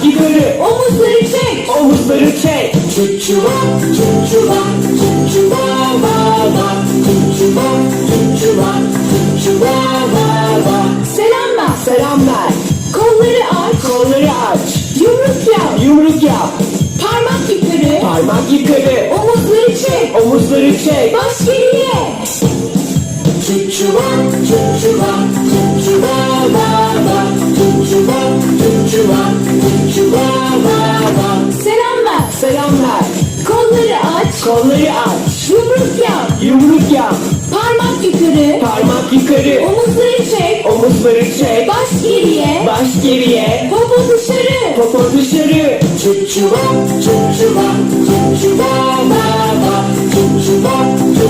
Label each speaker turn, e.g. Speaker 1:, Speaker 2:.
Speaker 1: yukarı.
Speaker 2: Omuzları çek.
Speaker 1: Omuzları çek.
Speaker 2: Çuçuva, çuçuva, çuçuva, va, va. Çuçuva, çuçuva, çuçuva, va, va. Selam ver.
Speaker 1: Selam ver.
Speaker 2: Kolları aç.
Speaker 1: Kolları aç.
Speaker 2: Yumruk yap.
Speaker 1: Yumruk yap.
Speaker 2: Parmak yukarı.
Speaker 1: Parmak yukarı.
Speaker 2: Omuzları çek.
Speaker 1: Omuzları çek.
Speaker 2: Baş geriye. Çuçuva, çuçuva, çuçuva, va, va. Çuçuva, çuçuva, çuçuva, va, va. Selam ver.
Speaker 1: Selam ver.
Speaker 2: Kolları aç.
Speaker 1: Kolları aç.
Speaker 2: Yumruk yap.
Speaker 1: Yumruk yap.
Speaker 2: Parmak yukarı.
Speaker 1: Parmak yukarı.
Speaker 2: Omuzları çek.
Speaker 1: Omuzları çek.
Speaker 2: Baş geriye.
Speaker 1: Baş geriye.
Speaker 2: Popo dışarı.
Speaker 1: Popo dışarı.
Speaker 2: Çuçuva, çuçuva, çuçuva, va, va. Çuçuva,